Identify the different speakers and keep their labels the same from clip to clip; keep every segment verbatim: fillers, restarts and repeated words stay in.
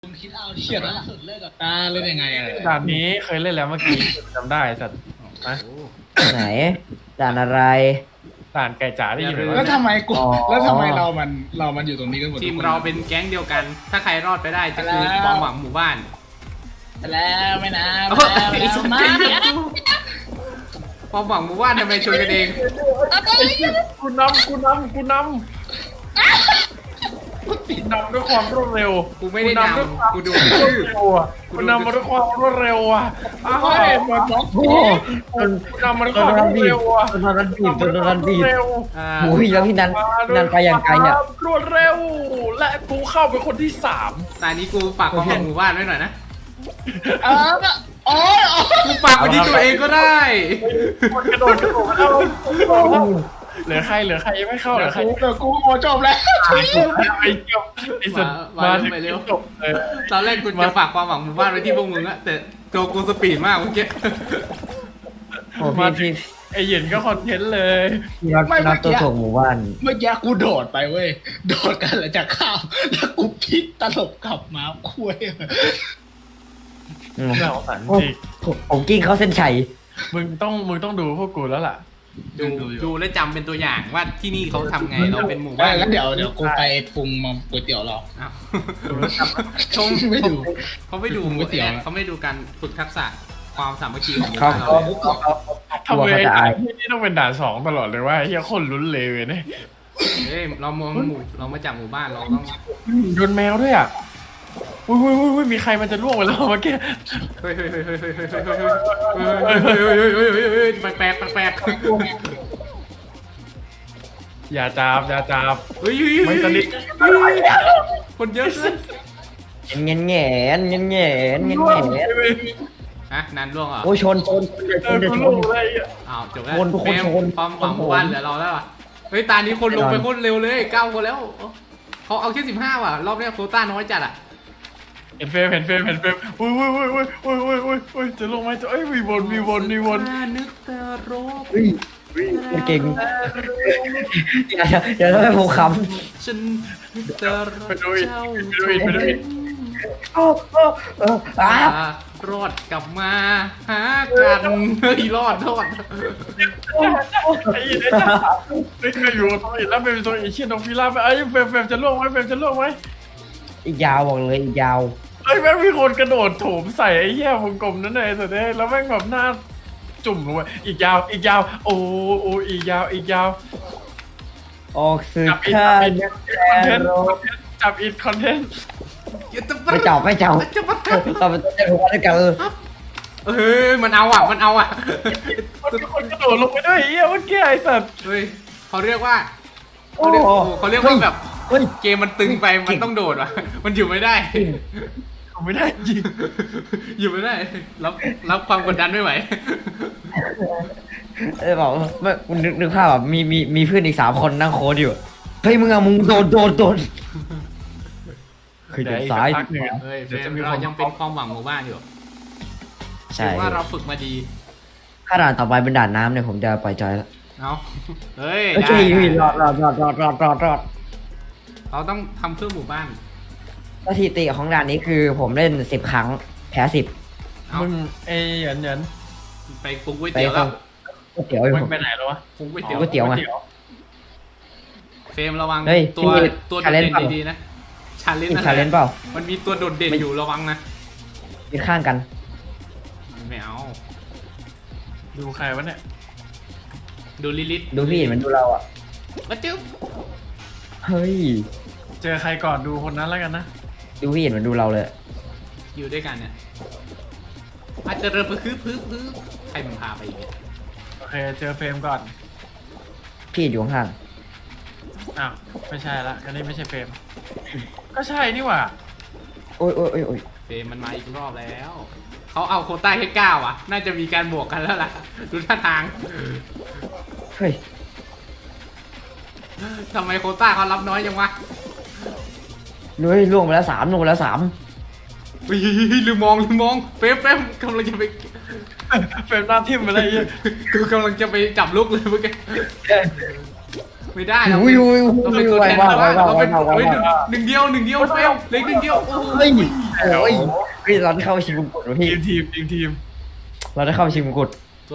Speaker 1: คุณคิดเอาดิเขียนล่าสุดเลิกกับตาเล่นยังไงอะไร
Speaker 2: ด่านนี้เคยเล่นแล้วเมื่อกี้จำได้สัตว์นะ
Speaker 3: ไหนด่านอะไร
Speaker 2: ด่านไก่จ๋าได้ยินไหม
Speaker 1: แล้วทำไมกู
Speaker 3: อ๋อ
Speaker 1: แล้วทำไมเรามันเรามันอยู่ตรงนี้กันหมด
Speaker 4: ทีม
Speaker 1: ทุกคน
Speaker 4: เราเป็นแก๊งเดียวกัน ถ้าใครรอดไปได้จะคือความหวังหมู่บ้าน
Speaker 1: แล้วไม่นะ
Speaker 4: โอ้
Speaker 1: ไม่
Speaker 4: ย
Speaker 1: นะ
Speaker 4: ไอ้
Speaker 1: ไม่
Speaker 4: สั
Speaker 1: นะ
Speaker 4: ตว์ความหวังหมู่บ้านทำไมชวนกันเอง
Speaker 2: กูนำกูนำกูนำกูนำด้วยความรวดเร็ว
Speaker 4: กูไม่ได้น
Speaker 2: ด้วยความ
Speaker 4: ำกูดู
Speaker 2: รว
Speaker 4: ชื่อ
Speaker 2: ดเร็วอ่ะกูนำมาด้วยความรวดเร็วอ่ะอ้าว
Speaker 1: เฮ้ยหมดบล็อก
Speaker 3: โอ้จน
Speaker 2: กูนำมาด้วย
Speaker 3: จ
Speaker 2: คน วาม
Speaker 3: โด
Speaker 2: ร
Speaker 3: น
Speaker 2: วด
Speaker 3: บีบ
Speaker 2: เร็วอ่ะ
Speaker 3: จนโดนบีบจนโดนบีบ
Speaker 2: เร็ว
Speaker 4: อ่า
Speaker 3: โอ้ยแล้วพี่นันพี่นันไปอย่างไกลอ่ะ
Speaker 2: รวดเร็ว และกูเข้าเป็นคนที่สาม
Speaker 4: ตอนนี้กูฝากความหวังหมู่บ้านไว้หน่อยนะ
Speaker 1: เออโอ้ยโอ้ย
Speaker 4: กูฝากไว้ที่ตัวเองก็ได้
Speaker 2: คนกระโดดกระโดดเข้าเหลือใครเหลือใครยังไม่เข้าเหลือใคร
Speaker 1: กูเดี๋ยวกูโอ้จบแล้ว
Speaker 2: ไอ้เกี่ยวไอ้สุดมาถึงจบเลย
Speaker 4: ตอนแรกกูจะฝากความหวังหมู่บ้านไว้ที่พวกมึงอะแต่ตัวกูสปีดมากเมื่อกี้
Speaker 3: โอ้พี่พี่
Speaker 2: ไอ้หยินก็คอนเทนต์เลย
Speaker 3: พี่นัทนัทตัวส่งหมู่บ้าน
Speaker 1: เมื่อกี้กูโดดไปเว้ยโดดกันแล้วจะข้ามแล้วกูพลิกตลบกลับมาคุย
Speaker 3: อืม
Speaker 2: น่าสงสารจ
Speaker 3: โอ้
Speaker 2: ริง
Speaker 3: ผมผมกิ้งเข้าเส้นชัย
Speaker 2: มึงต้องมึงต้องดูพวกกูแล้วล่ะ
Speaker 4: ดูดูและจำเป็นตัวอย่างว่าที่นี่เขาทำไงเราเป็นหมู่
Speaker 1: ได้
Speaker 4: บ้าน
Speaker 1: แล้วเดี๋ยวเดี๋ยวกูไปปรุงมาก๋วยเตี๋ยวเรา
Speaker 4: อ้าว
Speaker 1: ชมไม่ดู
Speaker 4: เขาไม่ดู
Speaker 1: ผมก๋วยเตี๋ยว
Speaker 4: เขาไม่ดูการฝึกทักษะความสามัคคีของหมู่
Speaker 3: เขา
Speaker 4: บ้านเรา
Speaker 3: เขา
Speaker 4: เลย
Speaker 3: เขา
Speaker 2: ทำไม
Speaker 3: เขาจะอาย
Speaker 2: ที่นี่ต้องเป็นด่านสองตลอดเลยว่าเฮียคนลุ้นเลยเนี่ย
Speaker 4: เฮ้ยเรามองหมู่เรามาจากหมู่บ้านเราต้อง
Speaker 2: โดนแมวด้วยอ่ะอุ้ยอุ้ยอุ้ยอุ้ยมีใครมันจะล่วงไปแล้วเมื่อกี้
Speaker 4: เฮ้ยเฮ้ยเฮ้ยเฮ้ยเฮ้ยเฮ้ยเฮ้ยเฮ้ยเฮ้ยเฮ้ยเฮ้ยเฮ้ยเฮ้ยเฮ้ยแปลกแปลกแปลก
Speaker 2: อย่าจับอย่าจับ
Speaker 4: เฮ้ยเฮ้ย
Speaker 2: ไม่สนิท
Speaker 4: คนเยอะเกิน
Speaker 3: เงี้ยเงี้ยเงี้ยเงี้ยเงี้ยเงี้ยเงี้ย
Speaker 4: ฮะนันล่วงเหรอ
Speaker 3: โอ้ยชนชนช
Speaker 2: เอน อ
Speaker 3: ชน
Speaker 2: กู
Speaker 3: ช
Speaker 2: ล่วง
Speaker 3: น
Speaker 2: เลย
Speaker 4: อ้าวจบแล้ว
Speaker 3: คนทุกคน
Speaker 4: แม่ง
Speaker 3: คน
Speaker 4: ความหวังหมู่บ้านเหลือเราแล้วอ่ะเฮ้ยตานี้คนลงไปโคตรเร็วเลยเก้าคนแล้วเขาเอาแค่สิบห้าว่ะรอบนี้โควต้าน้อยจัดอ่ะ
Speaker 2: เห็นเฟรมเห็นเฟรมเห็นเฟรมอุ้ยอุ้ยอุ้ยอุ้ยอุ้ยอุ้ยอุ้ยอุ้ยจะลงไหมจะเอ้ยมีวนมีวนมีวน
Speaker 4: นึกแต่รบ
Speaker 3: เฮ้ยเก่งอย่าอย่าทำให้ผมข
Speaker 4: ฉันนึกแต่รบ
Speaker 2: ไปดูอีก
Speaker 4: เจ้า
Speaker 2: ไปดูอีกไปดูอีก
Speaker 3: ำโอ้โอ้เอออ้าร
Speaker 4: อดกลับมาหากันเฮ้ยรอดรอด
Speaker 2: ไอ้ยี่ไอ้จ้าไม่เคยอยู่ตรงนี้แล้วเป็นตรงอีเชียนตรงฟิลาไปไอ้เฟรมเฟรมจะล่วงไหมเฟรมจะล่วงไหม
Speaker 3: อีกยาวบอกเลยอีกยาว
Speaker 2: ไอ้แม่งมีคนกระโดดโถมใส่ไอ้เหี้ยวงกลมนั่นเลยสุดเลยแล้วแม่งแบบหน้าจุ่มลงไปอีกยาวอีกยาว โอ้โอ้อีกยาวอีกยาว
Speaker 3: ออกสื่อ
Speaker 2: จับอีก
Speaker 3: ข้า
Speaker 2: จับอีกคอนเทนต์
Speaker 3: แต่
Speaker 2: จับอีกคอนเทนต์
Speaker 3: ไม่จับไม่จับ
Speaker 4: จะมา
Speaker 3: เราเป็นตัวเจ้าหัวด้วยกันเออ
Speaker 4: เฮ้ยมันเอาอ่ะมันเอาอ่ะ
Speaker 2: มันมีคนกระโดดลงไปด้วยไอ้เหี้ยเมื่อกี้ไอ้สัตว์
Speaker 4: เฮ้ยเขาเรียกว่า
Speaker 3: โอ้
Speaker 4: เขาเรียกเขาเรียกว่าแบบ
Speaker 3: เฮ้ย
Speaker 4: เกมมันตึงไปมันต้องโดดว่ะมันอยู่ไม่ได้
Speaker 2: ทำไม่ได้จริง
Speaker 4: อยู่ไม่ได้รับรับความกดดันไม่ไหว
Speaker 3: เออบอกไม่คุณนึกนึกภาพแบบมีมีมีเพื่อนอีกสามคนนั่งโค้ดอยู่เฮ้ยมึงอะมึงโดนโดนโดนคือเดินซ้าย
Speaker 2: พักหนึ่ง
Speaker 4: เฮ้ยเฟ
Speaker 2: เดี๋ยว
Speaker 4: ร
Speaker 2: จะ
Speaker 4: ม
Speaker 2: มีค
Speaker 4: เรา
Speaker 2: น
Speaker 4: ยังเป็นความหวังหมู่บ้านอยู่
Speaker 3: ใช่
Speaker 4: ถือว่าเราฝึกมาดี
Speaker 3: ถ้าด่านต่อไปเป็นด่านน้ำเนี่ยผมจะปล่อยจอยแล้ว
Speaker 4: เอาเฮ้ย
Speaker 3: โอ
Speaker 4: ได้
Speaker 3: เค
Speaker 4: ได้
Speaker 3: รอดรอดรอดรอดรอดรอดรอด
Speaker 4: เราต้องทำเพื่อหมู่บ้าน
Speaker 3: สถิติของด่านนี้คือผมเล่นสิบครั้งแพ้สิบ
Speaker 4: เอา
Speaker 2: มึงไอ้หยันหยัน
Speaker 4: ไปปรุงก๋วย
Speaker 3: ไป
Speaker 4: เตี๋ยว
Speaker 3: ฟั
Speaker 4: แล้
Speaker 3: ง
Speaker 4: ว
Speaker 3: ก๋วยเตี๋ยวอยู่
Speaker 2: มึง
Speaker 3: ผม
Speaker 2: ไปไหนแล้ววะ
Speaker 4: ปรุงก๋วยเตี๋ยว
Speaker 3: ก๋วยเตี๋ยวไง
Speaker 4: เฟรมระวัง
Speaker 3: เฮ้ย
Speaker 4: ตัว
Speaker 3: พี่
Speaker 4: ตัวโดด
Speaker 3: challenge
Speaker 4: เด่น
Speaker 3: เปล่า
Speaker 4: ดีๆนะชาเลนจ์
Speaker 3: มี
Speaker 4: นั่น
Speaker 3: ชาเลนจ์เปล่า
Speaker 4: มันมีตัวโดดเด่นอยู่ระวังนะ
Speaker 3: ยืนข้างกัน
Speaker 4: ไม่เอา
Speaker 2: ดูใครวะเนี่ย
Speaker 4: ดูลิลิต
Speaker 3: ดูพี่เห็นมันดูเราอ่ะ
Speaker 4: มาจึ๊บ
Speaker 3: เฮ้ย
Speaker 2: เจอใครก่อนดูคนนั้นแล้วกันนะ
Speaker 3: ดูพี่เห็นมันดูเราเลย
Speaker 4: อยู่ด้วยกันเนี่ยอาจจะเริ่มไปคือพื้นพื้นใครมันพาไปอีกเนี่ย
Speaker 2: โอเคเจอเฟรมก่อน
Speaker 3: พี่อยู่ข้าง
Speaker 2: อ้าวไม่ใช่ละอันนี้ไม่ใช่เฟรมก็ใช่นี่หว่า
Speaker 3: โอ้ยโอ้ยโอ้ยโอ้ย
Speaker 4: เฟรมมันมาอีกรอบแล้วเขาเอาโควต้าแค่เก้าอ่ะ น่าจะมีการบวกกันแล้วล่ะดูท่าทาง
Speaker 3: เฮ้ย
Speaker 4: ทำไมโควต้าเขารับน้อยจังวะ
Speaker 3: นุ้ยล่วงไปแล้วสามล่วงไปแล้วสาม
Speaker 4: อุ้ยลืมมองลืมมองเฟรมเฟรมกำลังจะไป
Speaker 2: เฟรมหน้าทิ่มไปเลยไอ้เหี้ย
Speaker 4: กูกำลังจะไปจับลูกเลยเมื่อกี้ไม่ได้เรา
Speaker 3: อุ้ยอุ้ย
Speaker 4: เรา
Speaker 3: อุ้
Speaker 4: เป็น
Speaker 3: ย
Speaker 4: ตัว
Speaker 3: ไว
Speaker 4: แทน
Speaker 3: มาก
Speaker 4: ชาว
Speaker 3: ไว
Speaker 4: บ้าน
Speaker 3: มาก
Speaker 4: เรา
Speaker 3: ไว
Speaker 4: เป็น
Speaker 3: มากไว
Speaker 4: เฮ้ย
Speaker 3: มาก
Speaker 4: หนึ่งเดียวหนึ่งเดียวเฟลเล็กหนึ่งเดียวโอ้
Speaker 3: เฮ้ย
Speaker 4: ย
Speaker 3: โอ้ยเฮ้ยเราได้เข้าชิงมงกุฎวะพี่
Speaker 2: ทีมทีมทีมทีม
Speaker 3: เราได้เข้าชิงมงกุฎ
Speaker 4: ตัว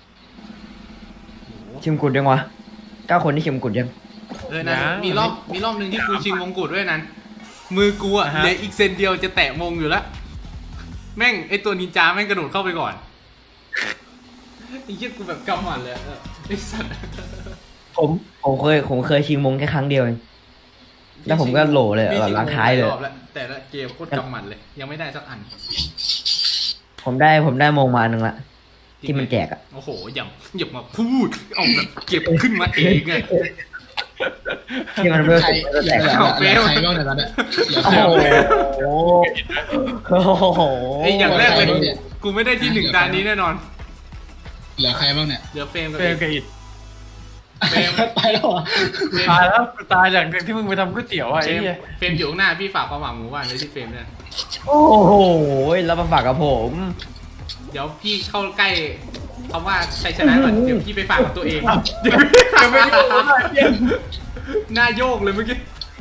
Speaker 3: ชิงมงกุฎยังวะเก้าคนที่ชิงมงกุฎยัง
Speaker 4: เออนะมีรอบมีรอบหนึ่งที่กูชิงมงกุฎด้วยนั้นมือกูอะเหลืออีกเซนเดียวจะแตะมงอยู่แล้วแม่งไอตัวนินจาแม่งกระโดดเข้าไปก่อนไอ้เหี้ยกูแบบกำหมัดเลยอะไอ้สัตว์
Speaker 3: ผมผมเคยผมเคยชิงมงแค่ครั้งเดียวเองแล้วผมก็โหลเลยแบบล้างท้ายเลย
Speaker 4: รอบแล้วแต่ละเกมโคตรกำหมัดเลย ยังไม่ได้สักอัน
Speaker 3: ผมได้ผมได้มงมาอันหนึ่งละที่มันแจกอะ
Speaker 4: โอ้โหอย่าอย่ามาพูดเอาแบบเก็บขึ้นมาเองไง
Speaker 3: ที่มันเริ่ม
Speaker 1: ใคร
Speaker 3: แจก
Speaker 1: เหลือ
Speaker 3: อะ
Speaker 1: เหลือใครบ้างเนี่ยตอนเนี้ยเหลือ
Speaker 3: โอ้
Speaker 1: ใคร
Speaker 3: โห
Speaker 1: บ้างเนี่ย
Speaker 3: โอ้โห
Speaker 4: ไอ้อย่างแรกเลย
Speaker 1: โอ้โห
Speaker 4: กูไม่ได้ที่หนึ่งตานี้แน่นอน
Speaker 1: เหลือใครบ้างเนี่ย
Speaker 4: เหลือเฟรมกับ
Speaker 2: เฟรมกับอิด
Speaker 4: เฟรม
Speaker 1: ไปแล้วเหรอ
Speaker 4: เฟรม
Speaker 2: ตายแล้วกูตายจากที่มึงไปทำก๋วยเตี๋ยวอ่ะ
Speaker 4: เฟร
Speaker 2: ไอ้
Speaker 4: ม
Speaker 2: เหี้ย
Speaker 4: เฟรมอยู่ข้างหน้าพี่ฝากความหวังหมู่บ้านเลยที่เฟรมเนี่ย
Speaker 3: โอ้โหแล้วมาฝากกับผม
Speaker 4: เดี๋ยวพี่เข้าใกล้คำว่าชัยชนะก่อนเดี๋ยวพี่ไปฝากกับตัวเอง
Speaker 2: เดี๋ยวไม่รู้ว่าเหี้ย
Speaker 4: หน้าโยกเลยเมื่อกี้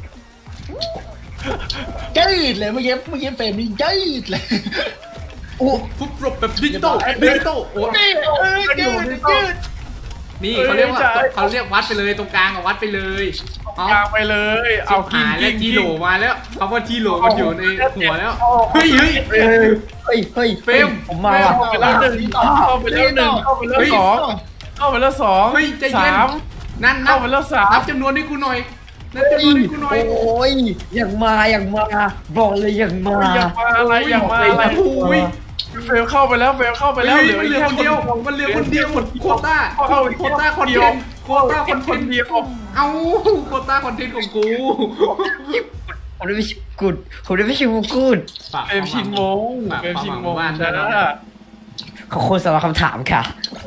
Speaker 1: ยืดเลยเมื่อกี้เมื่อกี้เฟรมนี่ยืดเลย
Speaker 3: อู้
Speaker 4: ฟุบรบแบบดิจิตอลดิจิตอลโอ้
Speaker 1: นี่เออยืดยืด
Speaker 4: นี่เขาเรียกว่าเขาเรียกวัดไปเลยตรงกลางอะวัดไปเลยเอา
Speaker 2: กลางไปเลย เอากิน
Speaker 4: หาย
Speaker 2: กิ
Speaker 4: แล้ว
Speaker 2: น
Speaker 4: ทีโหลมาแล้วคำว่าทีโหลมันอยู่ในหัวแล้วเฮ้ยเฮ้ย
Speaker 3: เฮ้ยเฮ้ยเฮ้ย
Speaker 4: เฟรม
Speaker 3: ผมมาว่ะ
Speaker 2: เข้าไปแล้วหนึ่งเข้าไปแล้วหนึ่งเข้าไปแล้วสองเข้าไปแล้วสอง
Speaker 4: เฮ้ยใจเย็น
Speaker 2: สาม
Speaker 4: นั่นนั
Speaker 2: เข้า
Speaker 4: บ
Speaker 2: ไปแล้วสาม
Speaker 4: นับจำนวนให้กูหน่อยนับจำน
Speaker 3: เฮ้
Speaker 4: วน
Speaker 3: ย
Speaker 4: ให้กูหน่อย
Speaker 3: โอ้ยอย่างมาอย่างมาบอกเลยอย่างมา
Speaker 2: อยากมาอะไรอยากมาอะไร
Speaker 4: โอ้ย
Speaker 2: เฟลเข้าไปแล้วเฟลเข้าไป
Speaker 4: ไป
Speaker 2: แล้
Speaker 4: แล้ว ว
Speaker 2: เหลื
Speaker 4: เห
Speaker 2: อ
Speaker 4: ลือ
Speaker 2: แค่
Speaker 4: คนเดียวมันเหลือคนเดียวหมดโควต้า
Speaker 2: เอา
Speaker 4: โควต้าคอนเทนต์โควต้าคอนเท
Speaker 2: คน
Speaker 4: นต์
Speaker 2: เดียว
Speaker 4: เอ้าโควต้าคอนเทนต์ของกู
Speaker 3: ผมได้ไปชิมกุดผมได้ไปชิมกุด
Speaker 4: ฝาก
Speaker 2: เฟรมชิงมง
Speaker 4: ฝาก
Speaker 2: เฟรม
Speaker 4: ความ
Speaker 2: ชิ
Speaker 4: ห
Speaker 2: ง
Speaker 4: วัง
Speaker 2: มง
Speaker 4: บ้านด้วยนะ
Speaker 2: นะ
Speaker 3: ขอบคุณสำหรับคำถามค่ะ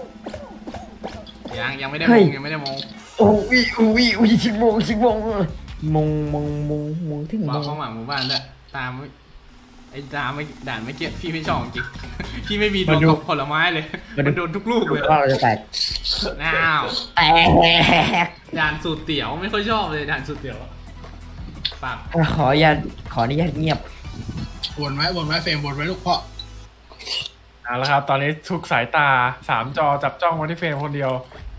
Speaker 4: ยังยังไม่ได้
Speaker 3: เฮ้
Speaker 4: ม
Speaker 3: ย
Speaker 4: งยังไม่ได้มง
Speaker 3: โอ้ยโอ้ยโอ้ยชิมมงชิมมงมงมงมงมงถึง
Speaker 4: ฝาม ก
Speaker 3: ง
Speaker 4: ความหวังหมู่บ้านด้วยตามไอ้ตามไม่ด่านไม่เกี่ยพี่ไม่ชอบจริงพี่ไม่มีดวงกับผลไม้เลยมันโดนทุกลูกเลย
Speaker 3: ว่าเราจะแตก
Speaker 4: น้าว
Speaker 3: แตก
Speaker 4: ด่านสูตรเตี๋ยวไม่ค่อยชอบเลยด่านสูตรเตี๋ยวฝาก
Speaker 3: ขออนุญาตขออนุญาตเงียบ
Speaker 1: วนไว้วนไว้เฟรมวนไว้ลูกพ่อ
Speaker 2: เอาละครับ ตอนนี้ทุกสายตาสามจอจับจ้องมาที่เฟรมคนเดียว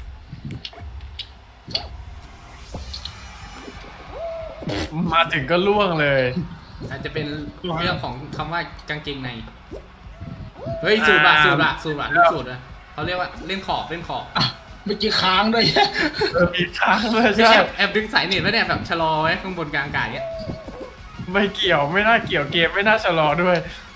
Speaker 2: มาถึงก็ล่วงเลย
Speaker 4: อาจจะเป็นเรื่องของคำว่ากางเกงในเฮ้ยสูตรอะสูตรอะสูตรอะลูกสูตรอะเขาเรียกว่าเล่นขอบเล่นขอบ
Speaker 1: เมื่อกี้ค้างด้วย
Speaker 2: เออมีค้างเลย
Speaker 4: แอ
Speaker 2: ใช่
Speaker 4: บแอบดึงสายเน็ตไว้เนี่ยแบบชะลอไว้ข้างบนกลางอากาศเนี้ย
Speaker 2: ไม่เกี่ยวไม่น่าเกี่ยวเกมไม่น่าชะลอด้วย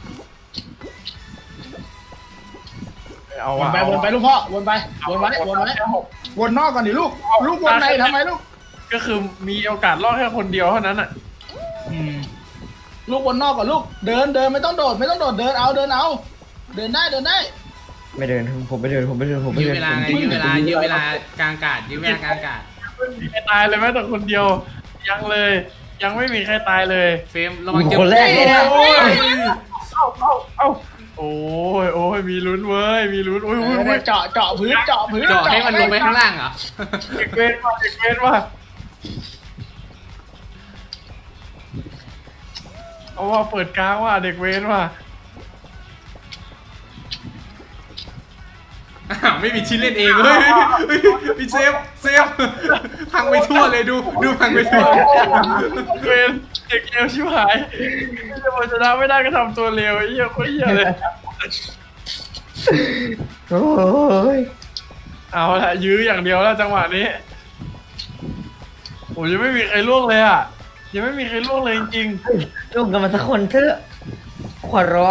Speaker 2: เอา
Speaker 1: วน
Speaker 2: วะ
Speaker 1: ไป
Speaker 2: เอา
Speaker 1: วน
Speaker 2: วะ
Speaker 1: ไปลูกพ่อวนไปวนไว้วนไว้วนนอกก่อนดิลูกลูกวนในทำไมลูก
Speaker 2: ก็คือมีโอกาสรอดแค่คนเดียวเท่านั้นอ่ะ
Speaker 1: อืมลูกวนนอกก่อนลูกเดินเดินไม่ต้องโดดไม่ต้องโดดเดินเอาเดินเอา เดินได้เดินได้
Speaker 3: ไม่เดินผมไม่เดินผมไม่เดินผมไม่
Speaker 4: ยื้อ
Speaker 3: เดิน
Speaker 4: เวลาไงยื้อเวลายื้อเวลากลางอากาศยื้อเวลากลางอากาศ
Speaker 2: ไม่มีใครตายเลยแม้แต่คนเดียว ยังเลย ยังไม่มีใครตายเลย
Speaker 4: เฟรมระวังเจ็บ
Speaker 3: คนแรกเลยนะ
Speaker 4: โอ้ย
Speaker 2: เอ้าเอ้าเอ้าโอ้ยโอ้ยมีลุ้นเว้ยมีลุ้นโอ้ยโอ้ยโอ้ย
Speaker 1: เจาะเจาะพื้นเจาะพื้น
Speaker 4: เจาะให้มันลงไปข้างล่างเหรอ
Speaker 2: เด็กเวนว่ะเด็กเวนว่ะเอาว่าเปิดกลางว่ะเด็กเวนว่ะ
Speaker 4: อ้าวไม่มีชิ้นเล่นเองเฮ้ยเฮ้ยพี่เซฟเซฟพังไปทั่วเลยดูดูพังไปทั่ว
Speaker 2: เวนเด็กเลวชิบหายจะมาชนะไม่ได้ก็ทำตัวเลวไอ้เหี้ยโคตรเหี้ยเลย
Speaker 3: โอ้ย
Speaker 2: เอาละยื้ออย่างเดียวแล้วจังหวะนี้โอ้ยยังไม่มีใครล่วงเลยอ่ะยังไม่มีใครล่วงเลยจริง
Speaker 3: ลงกันมาสักคนเถอะขอร้อง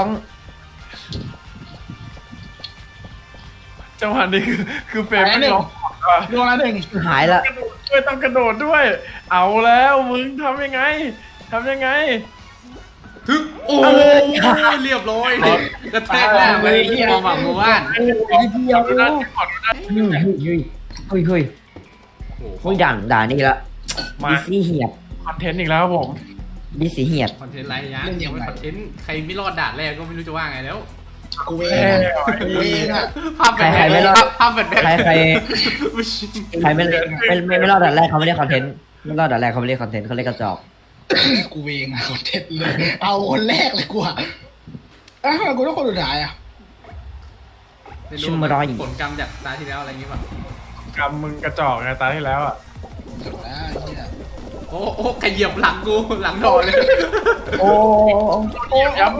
Speaker 2: ๆจังหวะนี้คือคือเฟรมไม่ร้องอ่ะ
Speaker 1: ดวงละหนึ่ง
Speaker 3: หายละ
Speaker 2: กระโดดด้วยต้องกระโดดด้วย เอาแล้วมึงทำยังไงทำยังไง
Speaker 4: ทึกโอ้ยเรียบร้อยกระแทกหน้าไปที่ความหวังหมู่บ้าน
Speaker 3: นิดเดียว
Speaker 2: ดูด้านที่ขอดูด้าน
Speaker 3: เฮ้ยเฮ้ยเฮ้ยเฮ้ย
Speaker 4: โอ้โห
Speaker 3: เฮ้ยด่านด่านนี่ละ
Speaker 2: มา
Speaker 3: ดิซี่เหียบ
Speaker 2: คอนเทนต์อีกแล้วครับผม
Speaker 3: ดิซี่เหียบ
Speaker 4: คอนเทนต์ไรยังยังไม่คอนเทนต์ใครไม่รอดด่านแรกก็ไม่รู้จะว่าไงแล้ว
Speaker 1: กูเองอะกูเองอะ
Speaker 4: ภาพแบบ
Speaker 3: ใครๆไม่รอด
Speaker 4: ภาพแบบ
Speaker 3: ใครใครใครไม่ไม่ไม่ไม่รอดด่านแรกเขาไม่ได้คอนเทนต์ไม่รอดด่านแรกเขาไม่ได้คอนเทนต์เขาเรียกกระจอก
Speaker 1: กูเองอะคนเด็ดเลยเอาคนแรกเลยกูอะอ้าวกูต้องคนสุดท้ายอะ
Speaker 3: ชิมรอย
Speaker 4: ผลกรรมจากตาที่แล้วอะไรอย่างงี้ป่ะ
Speaker 2: กำมึงกระจอกไงตาที่แล้วอ่ะ
Speaker 1: จบแล้วไอ้เนี่ย
Speaker 4: โอ้โอ้ขยับหลังกูหลังโดนเลย
Speaker 3: โอ้
Speaker 2: เหยียบย้ำ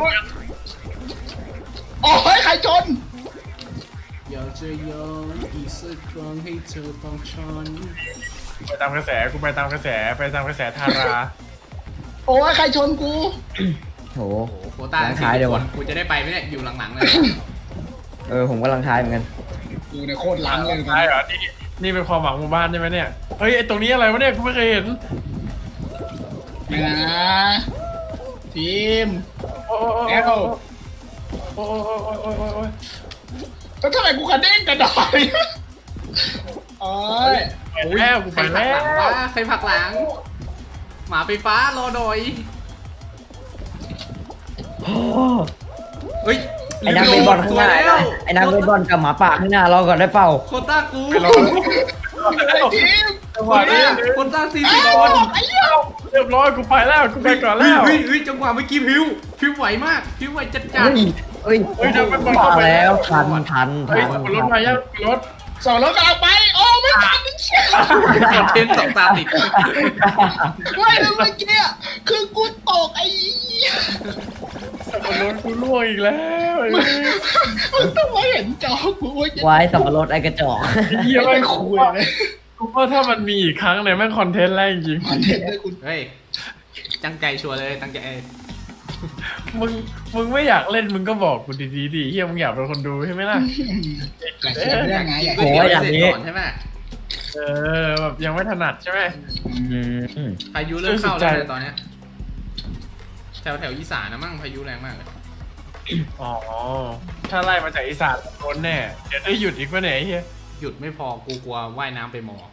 Speaker 1: โอ้ยใครชน
Speaker 4: อยากจะย้อนอีกสักครั้งให้เธอต้องช้อน
Speaker 2: ไปตามกระแสกูไปตามกระแสไปตามกระแสทารา
Speaker 1: โอ้ยใครชนกู
Speaker 3: โห
Speaker 4: โอ้โหโควต้า
Speaker 3: หลังท้ายเลยวะ
Speaker 4: กูจะได้ไปไหมเนี่ยอยู่หลังๆเลย
Speaker 3: เออผมกำลังทายเหมือนกัน
Speaker 1: กูเนี่ยโคตรล้างเลย
Speaker 2: ใช่เหรอนี่นี่เป็นความหวังหมู่บ้านใช่ไหมเนี่ยเฮ้ยไอตรงนี้อะไรวะเนี่ยกูไม่เคยเห็น
Speaker 1: นะทีม
Speaker 2: โอ้โอ้โอ้
Speaker 1: แอล
Speaker 2: โอ้โอ้โอ้โอ้โอ้โอ้โอ้
Speaker 1: แล้วทำไมกูกระเด้งกระดอยโอ้ย
Speaker 2: ไปแล้วกู
Speaker 4: ใค
Speaker 2: ไป
Speaker 4: รผลัก
Speaker 2: แล้
Speaker 4: หลัง
Speaker 2: ว
Speaker 4: วะใครผลักหลัง หมาไฟฟ้ารอดอย
Speaker 3: โอ้
Speaker 4: เฮ้ย
Speaker 3: ไอ้นักเบสบอลข้างหน้า
Speaker 4: สวยแล้ว
Speaker 3: ไอ้นักเบสบอลกับหมาป่าข้างหน้าเราก่อนได้เปล่า
Speaker 4: โควต้ากู
Speaker 2: ไปรอ
Speaker 1: ไอ้ทีม
Speaker 2: จังหวะนี้
Speaker 4: โควต้าสี่
Speaker 1: ไอ้
Speaker 4: สิบ
Speaker 1: โ
Speaker 4: คน
Speaker 1: อ้ยเหี้ย
Speaker 2: เรียบร้อยกูไปแล้วกูไปก่อนแล้ว
Speaker 4: เฮ้ยเฮ้ยจังหวะเมื่อกี้พิวพิวไหวมากพิวไหวจัดจัด
Speaker 3: เฮ้ยเฮ้ย
Speaker 2: เฮ้ยนักเบสบอล
Speaker 3: มา
Speaker 2: เข้าไป
Speaker 3: แล้ว
Speaker 2: แล้ว
Speaker 3: ทันทัน
Speaker 2: เฮ้ย
Speaker 3: ทัน
Speaker 2: รถมายังรถ
Speaker 1: สองรถกำลังไป โอ้ไม่ทันนี่เชี่ย
Speaker 4: คอนเทนต์สองตาติด
Speaker 1: ไม่เลยเมื่อกี้อะคือกูตกไอ้เหี้ย
Speaker 2: สับปะรดกูล่วงอีกแล้วไอ้
Speaker 1: มึงต้องมาเห็นจอกูว่าจะ
Speaker 3: ไว้สับปะรดไอ้กระจอก
Speaker 2: เหี้ย
Speaker 1: ไม่
Speaker 2: แม่ง
Speaker 1: คุยเลย
Speaker 2: กูว่าถ้ามันมีอีกครั้งเนี่ยแม่งคอนเทนต์แรกจริง
Speaker 1: คอนเทนต์ด้วยคุณ
Speaker 4: เฮ้ยตั้งใจชัวร์เลยตั้งใจ
Speaker 2: มึงมึงไม่อยากเล่นมึงก็บอกกูดีๆดิเฮียมึงอยากเป็นคนดูใช่ไหมล่ะ
Speaker 1: อยากเขียนเรื่องไงอยาก
Speaker 4: ก๋วย
Speaker 1: เขียน
Speaker 4: เตี๋ยวเสร็จก่อนใช่ไหม
Speaker 2: เออแบบยังไม่ถนัดใช่ไหม
Speaker 3: อืม
Speaker 4: พายุเริ่มเข้าแล้วนะตอนเนี้ยแถวแถวอีสานนะมั่งพายุแรงมากเลย
Speaker 2: อ๋อถ้าไล่มาจากอีสานโดนแน่เดี๋ยวได้หยุดอีกวะเนี่ยไอ้เฮีย
Speaker 4: หยุดไม่พอกูกลัวว่ายน้ำไปหมอ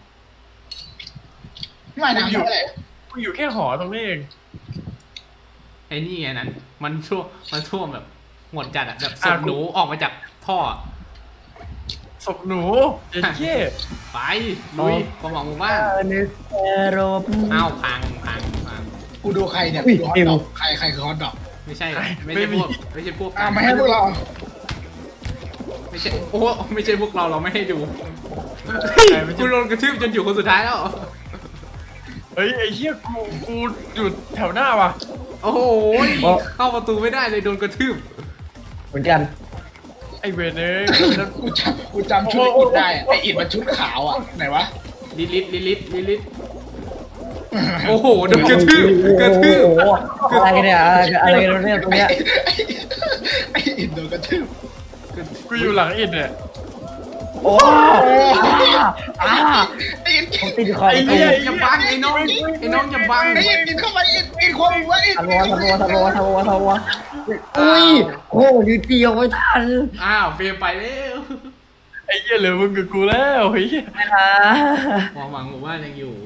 Speaker 1: ไม่น้ำเท่าไหร่
Speaker 2: กูอยู่แค่หอตรงนี้เอง
Speaker 4: ไอ้นี่ไงนั้น มันท่วมมันท่วมแบบหมดจัดอะแบบศพหนูออกมาจากท่อ
Speaker 2: ศพหนูเจ๊เจ๊
Speaker 4: ไปลุยความหวังหมู่บ้าน
Speaker 3: นึกแอโรบ
Speaker 4: อ้าวพังพังพัง
Speaker 1: กูดูใครเนี่ย
Speaker 3: อุ้ย
Speaker 1: ดูฮอต
Speaker 3: ฟิว
Speaker 1: ดอกใครใครคือฮอตดอก
Speaker 4: ไม่ใช่ไม่ใช่พวกไม่ใช่พวก
Speaker 1: อ่ามาให้พวกเรา
Speaker 4: ไม่ใช่โอ้ไม่ใช่พวกเราเราไม่ให้ดูกูโดนกระทืบจนอยู่คนสุดท้ายแล้ว
Speaker 2: เฮ้ยไอ้เฮียกูกูอยู่แถวหน้าว่ะ
Speaker 4: โอ้โหเข้าประตูไม่ได้เลยโดนกระทืบ
Speaker 3: เหมือนกัน
Speaker 2: ไอเวนเอ้ย
Speaker 1: กูจำกูจำชุดไอ้อิดได้อะไออิดมันชุดขาวอ่ะไหนวะ
Speaker 4: ลิลิตลิลิตลิลิตโอ้โหโดนกระทืบกระทืบ
Speaker 3: โอ้โหอะไรกันเนี่ยอะไรอะไรกันเนี่ยตรงเนี้ย
Speaker 1: ไออิดโดนกระทืบ
Speaker 2: กูอยู่หลังอิดเนี่ย
Speaker 3: โอ้อ่า
Speaker 1: ไออิด
Speaker 3: ผมติดคอ
Speaker 2: ไอ้
Speaker 3: ประ
Speaker 2: เหี้
Speaker 3: ตู
Speaker 2: ย
Speaker 4: อย่าบังไอ้น้องไอ้น้องอย่าบัง
Speaker 1: ไออิดอิดเข้ามาอิดอิดความว่าอิด
Speaker 3: ทะโวทะโวทะโวทะโวทะโวอุ้ยโอ้ยเดียวไม่ทัน
Speaker 4: อ้าวเฟรมไปแล้ว
Speaker 2: ไอ้เหี้ยเหลือมึงกับกูแล้วเฮ้ย
Speaker 3: นะ
Speaker 4: ความหวังหมู่บ้านยังอยู่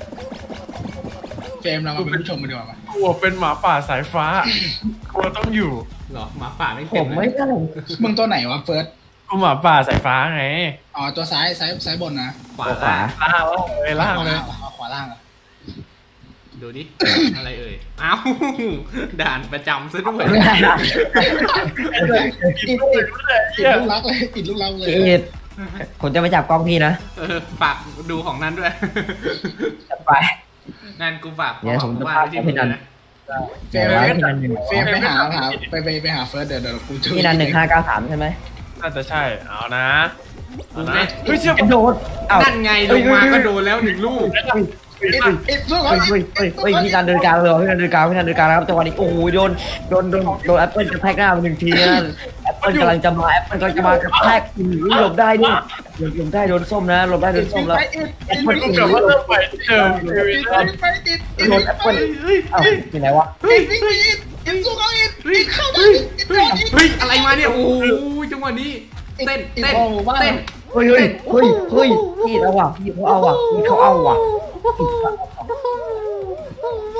Speaker 1: เฟรมเรามาเป็นผู้ชมมาดีกว่าปะ
Speaker 2: กูเป็นหมาป่าสายฟ้ากูต้องอยู่
Speaker 4: หรอหมาป่าไม่
Speaker 3: ผ
Speaker 4: เต็ม
Speaker 3: ม
Speaker 4: เล
Speaker 3: ไม่
Speaker 4: ย
Speaker 3: ได้
Speaker 1: มึงตัวไหนวะเฟิร์ส
Speaker 2: กูหมาป่าสายฟ้าไง
Speaker 1: อ๋อตัวซ้ายซ้ายซ้ายบนนะ
Speaker 4: ขวา
Speaker 3: ขวา
Speaker 2: ล่างเลยล่างเลย
Speaker 1: ขวาขวาล่างอะ
Speaker 4: ดูดิ อะไรเอ่ยอ้าวด่านประจำซะด้วย
Speaker 1: อิดอิดอิดลูกรักเลยอิดลูกรักเลย
Speaker 3: เอ็ดผมจะไปจับกล้องพี่นะ
Speaker 4: เออฝากดูของนั่นด้วย
Speaker 3: จับไป
Speaker 4: นั่นกูฝาก
Speaker 3: เดี๋ยวผมจะ
Speaker 4: ว่า
Speaker 3: พา
Speaker 4: ไว้ที่
Speaker 3: พี่
Speaker 4: มึง
Speaker 3: นัน
Speaker 4: นะ
Speaker 1: เฟรม
Speaker 3: เดี๋ยวพี่นันหนึ่ง
Speaker 1: เฟรมไปหาหาไปไปไปหาเฟิร์สเดี๋ยวเดี๋ยวกูช่วย
Speaker 3: พี่นันหนึ่งห้าเก้าสามใช่ไหม
Speaker 2: น่าจะใช่เอานะเอา
Speaker 4: กู
Speaker 2: นะ
Speaker 4: ไม่
Speaker 2: เฮ้ยเชื่อก
Speaker 3: ระโดดเอ้า
Speaker 4: นั่นไงลงมาก็โดนแล้วหนึ่งลูก
Speaker 1: อิดอิดสู้เขา
Speaker 3: เฮ้ย
Speaker 1: อิ
Speaker 3: เฮ้ย
Speaker 1: ด
Speaker 3: เฮ้ยเฮ้ยพี่นันเดินกลางเลยพี่นันเดินกลางพี่นันเดินกลางนะครับจังหวะนี้โอ้โหโดนโดนโดนโดนแอปเปิลกระแทกหน้าไปหนึ่งทีนะแอปเปิลกำลังจะมาแอปเปิลกำลังจะมากระแทกอื้อหลบได้นี่หลบหลบได้โดนส้มนะหลบได้โดนส้มแล้ว
Speaker 1: ไปอิด
Speaker 3: แอ
Speaker 1: อิ
Speaker 3: ป
Speaker 1: ด
Speaker 3: เปิล
Speaker 1: อิ
Speaker 2: กู
Speaker 1: ด
Speaker 2: กลับมาเริ่มใหม่ที่เดิมชีวิตนะ
Speaker 1: ไปอิดอิด
Speaker 3: โดนแอปเปิลเอ้าที่ไหนวะ
Speaker 1: อิดอิดอิดอิดสู้เขาอิดอิดเข้าได้อิดอิดอิด
Speaker 4: เฮ้ยอะไรมาเนี่ยโอ้โหจังหวะนี้เต้นเต้นเต้น
Speaker 3: เฮ้ยเฮ้ยเฮ้ยเฮ้ยพี่เอาว่ะพี่เขาเอาว่ะพี่เขาเอาว่ะ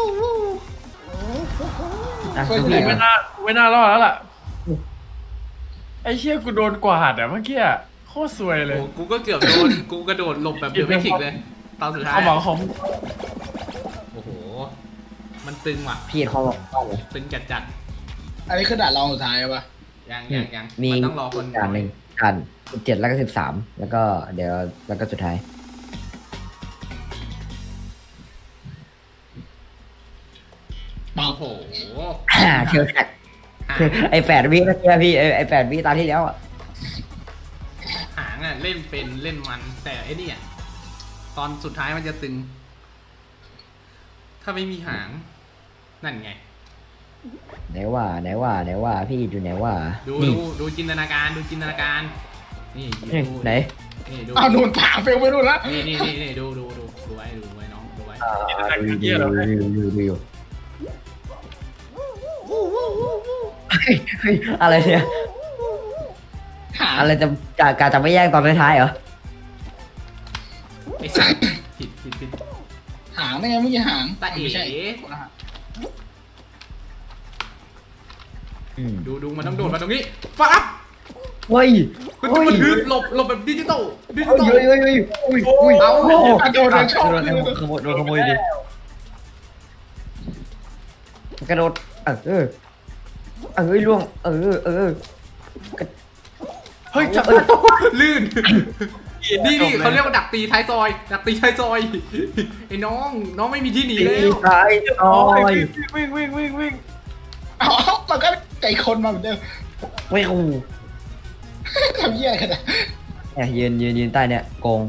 Speaker 3: อ่ะ
Speaker 1: เฟิร์ส
Speaker 3: ดู
Speaker 1: อยู่ไหน
Speaker 3: พี่
Speaker 2: ไม่
Speaker 1: วะ
Speaker 2: น่าไม่น่ารอดแล้วล่ะอ้เชี่ยกูโดนกวาดอะเมื่อกี้อะโคตรซวยเลย
Speaker 4: โอ้กูก็เกือบโดน กูกระโดดหลบแบบเดอะแมทริกซ์เลย ตอนสุดท้าย
Speaker 2: เขาบอกเขา
Speaker 4: โอ้โห มันตึงว่ะ
Speaker 3: พี่เขาบอกต้องเลย
Speaker 4: ตึงจัดจัด
Speaker 1: อันนี้คือด่านรองสุดท้ายปะ
Speaker 4: ๆยังยังยัง
Speaker 3: มี
Speaker 4: มันต้องรอคน
Speaker 3: ด่านหนึ่งด่านสิบเจ็ดแล้วก็สิบสามแล้วก็เดี๋ยวแล้วก็สุดท้าย
Speaker 4: โอ้โห
Speaker 3: เชียวแท็ก
Speaker 4: หาง
Speaker 3: ไอ้แปดวิเมื่อกี้พี่ไอ้ไอ้แปดวิตาที่แล้วอ่ะ
Speaker 4: หางอ่ะเล่นเป็นเล่นมัน แต่ไอ้นี่อ่ะตอนสุดท้ายมันจะตึง ถ้าไม่มีหาง นั่นไง
Speaker 3: ไหนว่าไหนว่าไหนว่าพี่อยู่ไหนว่า
Speaker 4: ดู
Speaker 3: นี่
Speaker 4: ดูดูจินตนาการดูจินตนาการ นี่
Speaker 3: นี่
Speaker 4: ดู
Speaker 3: ไหน
Speaker 4: นี่ดู
Speaker 1: อ้าวโดนถามไปไม่รู้ละ
Speaker 4: นี่นี่นี่นี่ดูดูดูดูไว้ดูไว้น้องดูไว้
Speaker 3: อ่าดูดูดูดูดูดูเฮ้ยเฮ้ยอะไรเนี่ย
Speaker 1: หา
Speaker 3: อะไรจะจะการจะไม่แย่งตอนท้ายๆเหรอ
Speaker 4: ไอ้สัตว์ผิดผิดผิด
Speaker 1: หางได้ไงเมื่อกี้หาง
Speaker 4: ตาเอ๋
Speaker 1: ไม่ใช่
Speaker 3: อืม
Speaker 4: ดูดูมันต้องโดดมาตรงนี้ปั๊บ
Speaker 3: เฮ้ย
Speaker 4: มัน
Speaker 3: เฮ้ย
Speaker 4: มันฮึดหลบหลบแบบดิจิตอลดิจิ
Speaker 3: เฮ้ย
Speaker 4: ตอล
Speaker 3: เฮ้ยเฮ้ยเฮ้ยอุ้ยอุ้ย
Speaker 4: เอา
Speaker 3: โอ้โห
Speaker 1: โดนเลยชอบ
Speaker 3: โดน
Speaker 1: เลย
Speaker 3: ขโมยโดนขโมยดิกระโดดเออเออเฮ้ยล่วงเออเออ
Speaker 2: เฮ้ยจับ
Speaker 4: ลื่น นี่นี่เขาเรียกว่าดักตีท้ายซอย ดักตีท้ายซอย ไอ้น้องน้องไม่มีที่หนี
Speaker 3: ตี
Speaker 4: แล้ว
Speaker 3: ซ้ายซอย
Speaker 2: วิ่งวิ่งวิ่งวิ่ง
Speaker 1: อ๋อมันก็ไก่คนมาเหมือนเดิม
Speaker 3: ไม่กู
Speaker 1: ทำเหี้ยกันนะ
Speaker 3: เนี่ยยืนยืนยืนใต้เนี่ยโกง